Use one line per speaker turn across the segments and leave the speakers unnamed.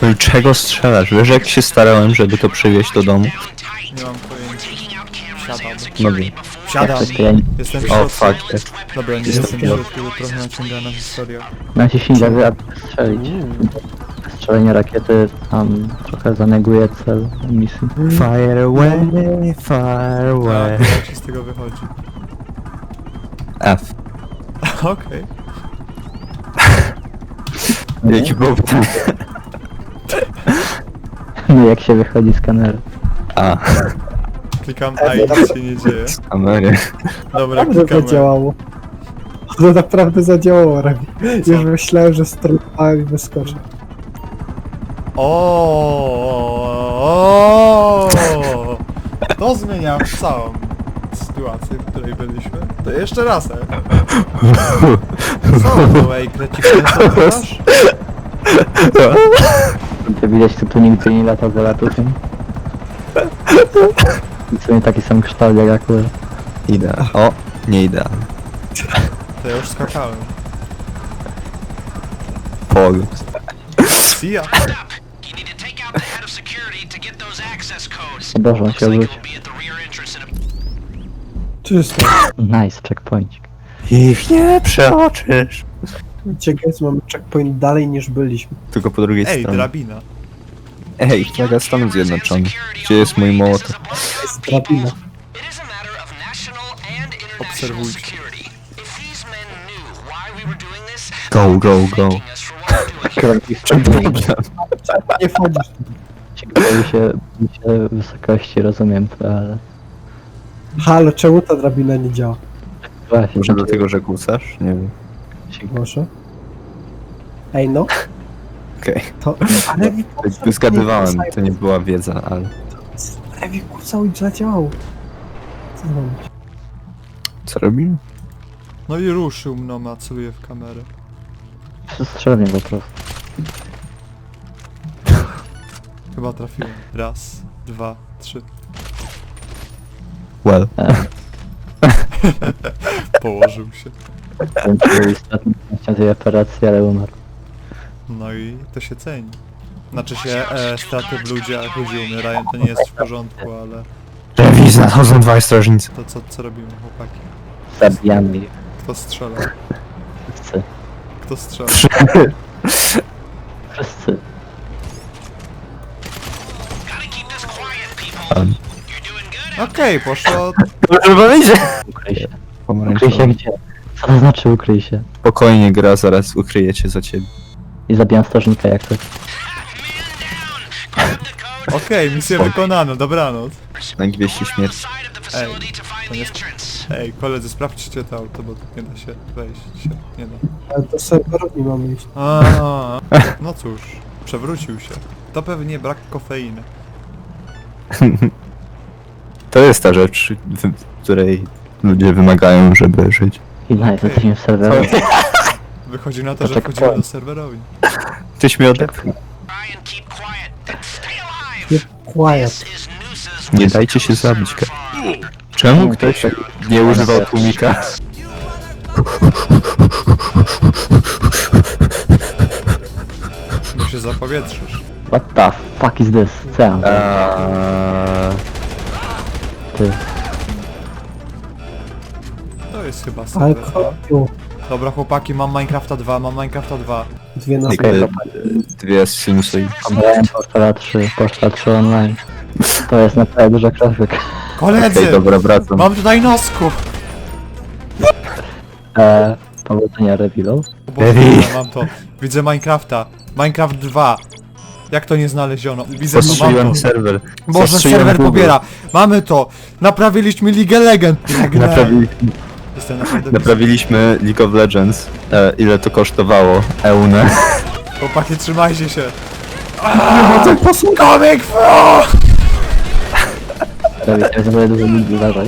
No i czego strzelasz? Wiesz jak się starałem, żeby to przywieźć do domu?
Nie mam pojęcia. Siadam.
No wiem.
Siadam.
Jak to ja
Jestem w
O,
środku.
fuck.
Dobra, nie
Jestem
jestem w
w
środku, bo trochę naciągana historia.
naciśnij lewy, aby strzelić. Strzelenie rakiety tam trochę zaneguje cel misji.
Fire away, fire away.
Tak, jak się z tego wychodzi.
F.
Okej.
Jaki był ten?
No jak się wychodzi z kamery.
A,
Klikam A i nic się nie dzieje.
z kamery.
Dobra,
Naprawdę
klikamy.
zadziałało. To naprawdę zadziałało, Rami. Już myślałem, że strzelałem i wyskoczę.
O, to zmienia całą sytuację, w której byliśmy. To jeszcze raz, Co to, ej, krecik, co masz?
To widać, tu nigdy nie lata za latusem. I w sumie taki sam kształt jak akurat.
Idealnie. O, nie idealnie.
To ja już skakałem.
Pol.
See ya.
You need to take out the head of security to get those access codes.
O Boże, on się
Looks like
obrócił.
it'll be at the rear entrance in a...
Czysto.
Nice, checkpointik.
Ich nie przeoczysz.
Ciekawe, mamy checkpoint dalej niż byliśmy.
Tylko po drugiej
Ej,
stronie.
drabina.
Ej, flaga Stanów Zjednoczonych. Gdzie jest mój mołotow?
Jest drabina.
It is a matter of national and international
Obserwujcie.
security. If these men knew why we were doing this,
Go, go, go.
thanking us for what we're doing.
Czym problem?
Nie wchodzisz.
Ciekawe się wysokości, rozumiem to, ale...
Halo, czemu ta drabina nie działa?
Właśnie,
Może dlatego, że kłócasz? Nie wiem.
Może? Ej no,
Okej.
to... Ale mi
Okay. Zgadywałem, to nie była wiedza, ale...
Ewi kłócał i zadziałało. Co mam?
Co robimy?
No i ruszył mną, a celuje w kamerę.
strzelnie po prostu.
Chyba trafiłem. Raz, dwa, trzy.
Well.
Położył się.
Ten był istotny częścią tej operacji, ale umarł.
No i to się ceni. Znaczy się, straty w ludziach, ludzie umierają, to nie jest w porządku, ale...
Rewizja, nadchodzą dwaj strażnicy.
To co robimy, chłopaki?
Zabijamy ich
Kto strzela?
wszyscy.
Kto strzela?
Wszyscy.
Gotta keep this quiet, people.
Um.
You're doing good.
Okej, poszło...
Dobrze powiedzieć!
Ukryj się. Ukryj się
Pomarańczowy.
gdzie? Co to znaczy ukryj się?
Spokojnie gra, zaraz ukryje cię za ciebie.
I zabijam strażnika jak to.
Okej, misję wykonano, dobranoc.
Na gwieździe śmierci.
Side of the
Ej,
facility to find
to
the
nie-
entrance.
Ej, koledzy, sprawdźcie to auto, bo tu nie da się wejść. Nie da.
Ale do serwerów nie mamy iść.
A, no cóż, przewrócił się. To pewnie brak kofeiny.
To jest ta rzecz, której ludzie wymagają, żeby żyć.
I nice, jesteśmy w serwerze.
Wychodzi na to, że
To
wchodzimy
checkpoint.
do serwerowni.
Tyś mnie odepchnął.
Try and keep quiet and stay alive.
Quiet.
This is Noosa's
Nie dajcie się zabić. Czemu ktoś nie używał tłumika?
Mu się zapowietrzysz.
What the fuck is this? Co ja mam zrobić? Ty.
To jest chyba
Ale
serwer.
kopiu.
Dobra chłopaki, mam Minecrafta 2, mam Minecrafta 2.
Dwie na
Dwie z sinusoid.
Obrałem Poszła 3 online. To jest naprawdę duża grafik.
Koledzy!
Okej, dobra, wracam.
Mam tutaj nosku!
Powodzenia revealu.
O Boże, dobra, mam to. Widzę Minecrafta. Minecraft 2. Jak to nie znaleziono? Widzę to, mam
Postrzeliłem
to.
serwer.
Boże,
Zastrzeliłem
serwer
Google.
pobiera. Mamy to. Naprawiliśmy Ligę Legend. Jestem naprawdę
Naprawiliśmy League of Legends. Ile to kosztowało? Eunę.
Chłopaki, trzymajcie się. Comic Pro!
Prawie się zrobię dużo ludzi, uważaj.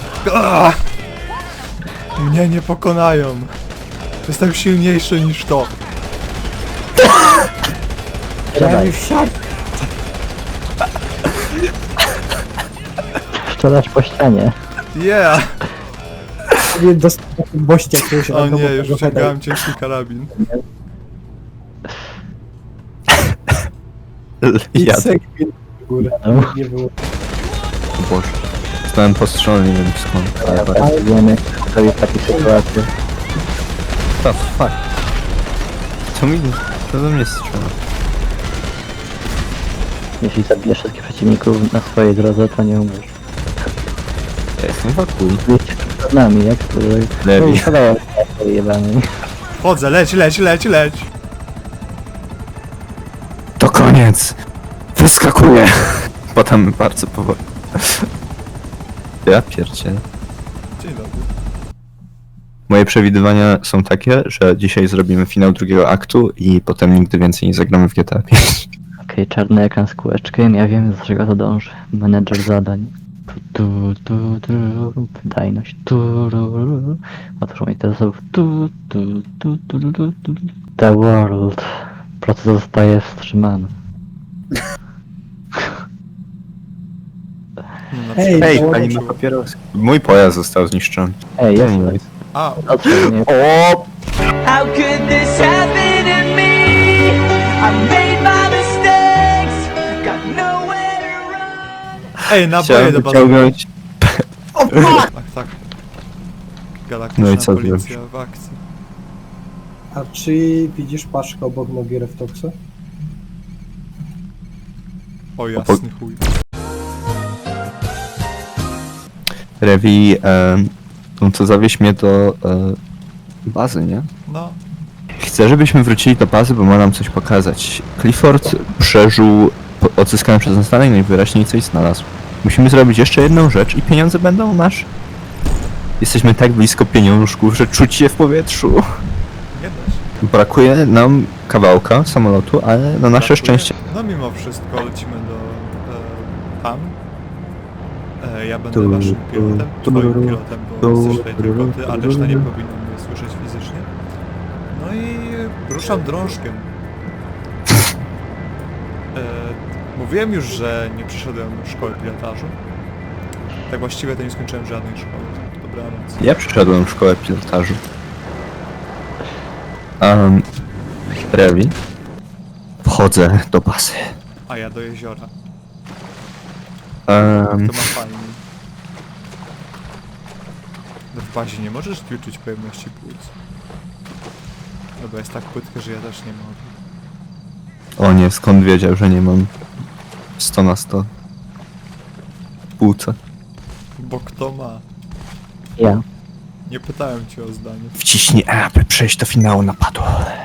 Mnie nie pokonają. Jestem silniejszy niż to.
Strzelaj. Strzelasz po ścianie.
Yeah!
Nie dostał bościa jakiegoś
O nie, już
randomowego
ściągałem ciężki karabin.
Ja
Segwin w górę.
No.
Nie było.
O Boże. Zostałem postrzelony, nie wiem skąd. Ale
Ale wiemy, kto jest w takiej sytuacji.
the fuck? Co do mnie strzela?
Jeśli zabijesz wszystkich przeciwników na swojej drodze, to nie umrzesz.
Ja jestem wakuj.
Wiecie, przed nami, jak to...
Lewi.
Wydaje się jebany.
Chodzę, leć!
To koniec! Wyskakuję! Potem bardzo powoli. Ja pierdzielę.
Dzień dobry.
Moje przewidywania są takie, że dzisiaj zrobimy finał drugiego aktu i potem nigdy więcej nie zagramy w GTA 5.
Okej, czarny ekran z kółeczkiem, ja wiem, do czego to dąży. Menedżer zadań. Wydajność. Otwórz mi te zasobów. The world. Proces zostaje wstrzymany.
No, na
Ej,
przykład-
Ej,
dołączył.
pani ma papieros. Mój pojazd został zniszczony.
Ej, jest
Anyways.
A,
Otrzymaj mnie.
O!
How could this happen to me? I made my mistakes, got nowhere to run.
ej, naboje
Chciałem
do bazy.
wyciągnąć.
Tak. Galaktyczna
No i co
policja
zrobisz?
w akcji.
A czy widzisz paszkę obok nogi Reftoxa?
O jasny chuj.
Rewi, no to zawieź mnie do bazy, nie?
No,
Chcę, żebyśmy wrócili do bazy, bo ma nam coś pokazać. Clifford przeżył odzyskany przez nas stanek, najwyraźniej coś znalazł. Musimy zrobić jeszcze jedną rzecz i pieniądze będą nasze. Jesteśmy tak blisko pieniążków, że czuć je w powietrzu.
nie da się.
Brakuje nam kawałka samolotu, ale na nasze
Brakuje.
szczęście...
No mimo wszystko lecimy do tam. Ja będę
Tu,
waszym
tu,
pilotem,
tu,
twoim
tu,
pilotem, bo
tu,
jesteś tutaj tylko ty, a
tu,
reszta nie
tu.
powinna mnie słyszeć fizycznie. No i ruszam drążkiem. Mówiłem już, że nie przeszedłem szkoły pilotażu. Tak właściwie to nie skończyłem żadnej szkoły. Dobranoc.
Ja przyszedłem w szkołę pilotażu. Rewi. Wchodzę do bazy.
A ja do jeziora. To ma fajnie. No w bazie nie możesz ćwiczyć pojemności płuc. No bo jest tak płytkie, że ja też nie mogę.
O nie, skąd wiedział, że nie mam 100 na 100 płuca.
Bo kto ma?
Ja.
Nie pytałem cię o zdanie.
Wciśnij E, aby przejść do finału napadu.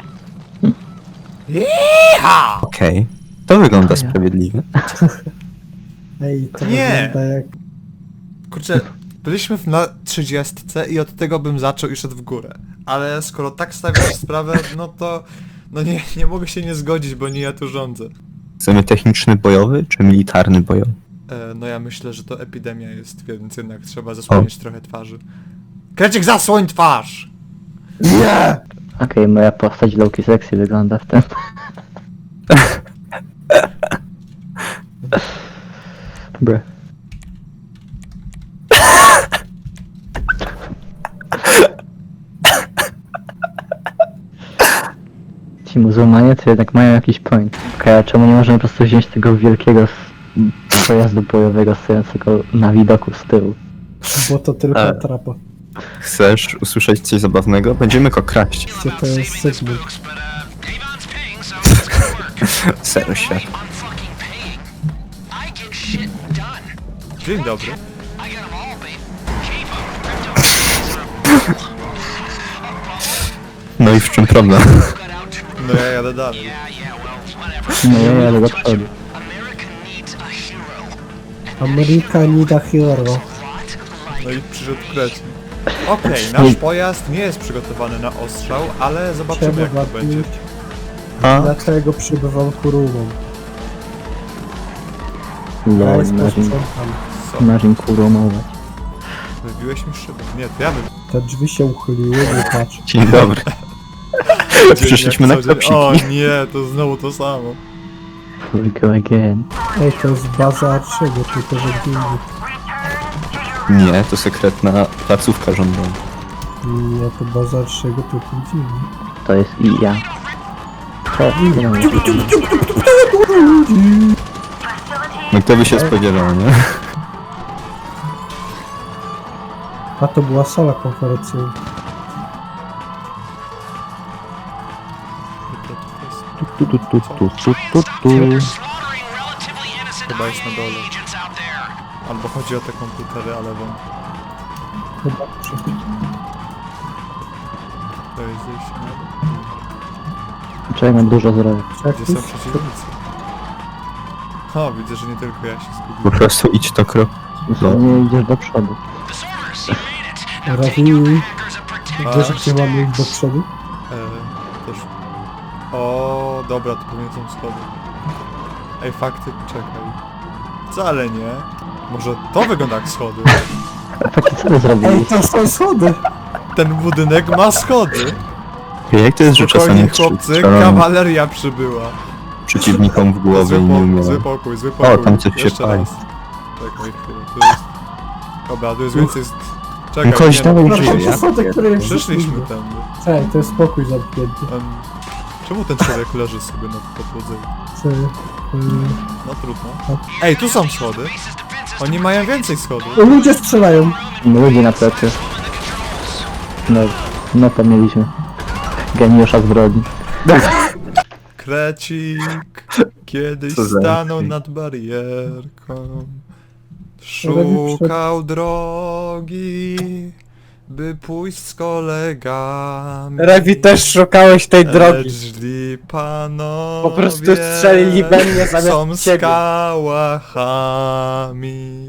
Okej. To wygląda sprawiedliwie.
Ej, to
Nie.
wygląda jak...
Kurczę, byliśmy na 30 i od tego bym zaczął i szedł w górę. Ale skoro tak stawiasz sprawę, no to... No nie mogę się nie zgodzić, bo nie ja tu rządzę.
Chcemy techniczny bojowy, czy militarny bojowy?
No ja myślę, że to epidemia jest, więc jednak trzeba zasłonić trochę twarzy. Krecik, zasłoń twarz!
Okej, moja postać Loki Sexy wygląda w tym. Bre. Ci muzułmanie to jednak mają jakiś point. Okej, a czemu nie możemy po prostu wziąć tego wielkiego pojazdu bojowego stojącego na widoku z tyłu?
Bo to tylko
Ale-
atrapa.
Chcesz usłyszeć coś zabawnego? Będziemy go kraść.
Gdzie to jest Segwin?
But Avon's paying, so it's cool.
Serio świat.
I'm fucking paying. I get shit done.
Dzień dobry.
I got them all, babe. Keep 'em. Crypto
No i w czym problem?
cut out.
No ja jadę dalej.
Yeah, well, whatever.
No ja jadę do przodu.
America needs a hero.
Ameryka need a hero.
No i przyszedł krecik. Okej, nasz pojazd nie jest przygotowany na ostrzał, ale zobaczymy
Trzeba
jak to będzie.
wapić.
A?
Dlaczego przybywam kurumą?
Lol,
Ja jest
marzeń,
Co?
marzeń kuromować.
Wybiłeś mi szybę. Nie, to ja
Te drzwi się uchyliły, nie patrz.
Dzień dobry. Przyszliśmy na
klapsiki. O
klapsiki.
nie, to znowu to samo.
We go again.
Ej, to jest baza Arczego, tylko że gdzie indziej.
Nie, to sekretna placówka rządowa.
Nie, to baza Arczego, tylko gdzie indziej.
To jest i ja. To, nie mam
No kto by się spodziewał, nie?
A to była sala konferencyjna.
Chyba jest na dole. Albo chodzi o te komputery, ale wam.
Chyba przy...
To jest zejście na dół.
Czekaj, mam dużo zdrowia.
Gdzie są przeciwnicy? O, widzę, że nie tylko ja się
Po
zgubiłem.
prostu idź to krok. No.
Nie idziesz do przodu.
Rafi, wiesz gdzie mamy iść do przodu?
Też. O, dobra, to pewnie są schody. Ej, fakty, czekaj. Wcale nie. Może to wygląda jak schody.
A taki co wy zrobili?
Ej, to są schody!
Ten budynek ma schody.
Jak to jest, że
Spokojnie,
czasami
chłopcy,
strzelam
kawaleria przybyła.
przeciwnikom w głowę i nie umierają?
Zły pokój.
tam coś się
Jeszcze
pali.
raz. Czekaj chwilę, tu jest... Dobra, tu jest więcej... Czekaj,
No kogoś
nie,
dawaj
no,
żyje,
To
ja?
są schody, które jest
Przyszliśmy tędy.
Cześć, to jest spokój zamknięty.
Czemu ten człowiek leży sobie na podłodze?
Co?
No trudno. Ej, tu są schody. Oni mają więcej schodów.
Ludzie strzelają.
Ludzie na plecy. No to mieliśmy. Geniusza zbrodni.
Krecik kiedyś
Co za
stanął
krecik?
nad barierką. Szukał drogi, by pójść z kolegami.
Rewi, też szukałeś tej drogi.
Lecz źli panowie
Po prostu strzelili we mnie zamiast
są
ciebie.
skałachami.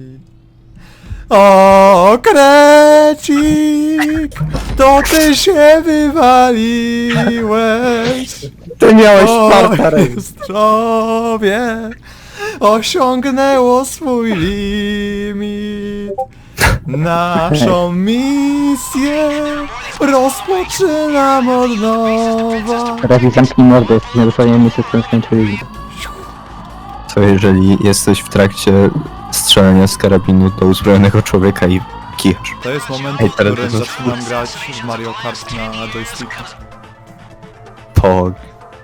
O, Krecik, to ty się wywaliłeś.
Ty miałeś
O,
farta, Rewi.
zdrowie osiągnęło swój limit. Naszą misję rozpoczynam od nowa.
Razi, zamknij mordę, jesteśmy dosłownie misję, którą skończyliśmy.
Co jeżeli jesteś w trakcie strzelania z karabinu do uzbrojonego człowieka i kichasz?
To jest moment,
Ej,
w
teraz
którym
to-
zaczynam grać w Mario Kart na joysticku.
Pog.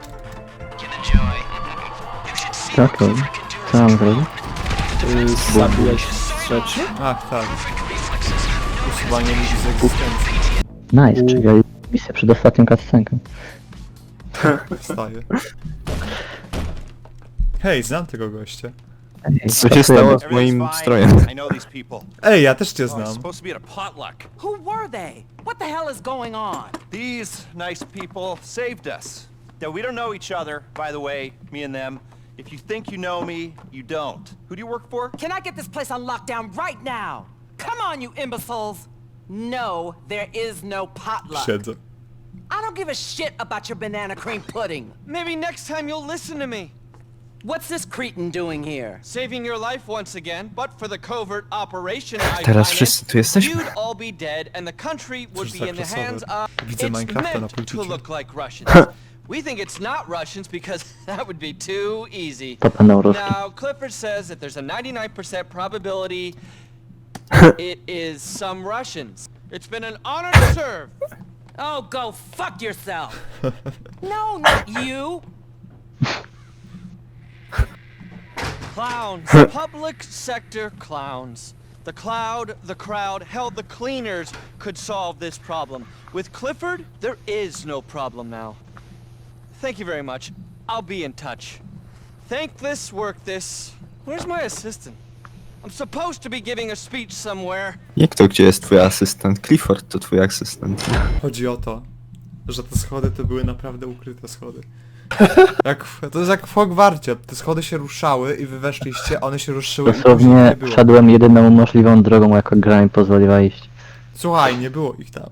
Tak, to. Co mam zrobić?
Zabiłeś rzeczy?
Ach tak. Usuwanie ludzi z egzystencji.
Nice, czyli misję przed ostatnią cutscenką.
Wstaje. Hej, znam tego gościa.
Ej,
Co się
pracujemy.
stało z moim strojem?
I know these people.
Ej, ja też cię
I was
znam.
supposed to be at a potluck.
Who were they? What the hell is going on?
These nice people saved us. Now, we don't know each other, by the way, me and them. If you think you know me, you don't. Who do you work for?
Can I get this place on lockdown right now? Come on, you imbeciles! No, there is no potluck.
Siedzę.
I don't give a shit about your banana cream pudding.
Maybe next time you'll listen to me.
What's this cretin doing here?
Saving your life once again, but for the covert operation I
Teraz
financed,
wszyscy tu jesteśmy?
you'd all be dead and the country would
Cóż
be
za
in the
klasowe.
hands of...
Widzę
It's
Minecrafta na
meant to
pulpicie.
look like Russians. We think it's not Russians because that would be too easy.
To będą Ruski.
Now, Clifford says that there's a 99% probability it is some Russians. It's been an honor to serve.
Oh, go fuck yourself! No, not you!
Clowns. Public sector clowns. The crowd, hell, the cleaners could solve this problem. With Clifford, there is no problem now. Thank you very much. I'll be in touch. Thank this, work this. Where's my assistant? I'm supposed to be giving a speech somewhere.
Jak to, gdzie jest twój asystent? Clifford to twój asystent.
Chodzi o to, że te schody to były naprawdę ukryte schody. To jest jak w Hogwarcie. Te schody się ruszały i wy weszliście, one się ruszyły i później
Dosłownie
nie było.
wszedłem jedyną możliwą drogą, jaką gra mi pozwoliła iść.
Słuchaj, nie było ich tam.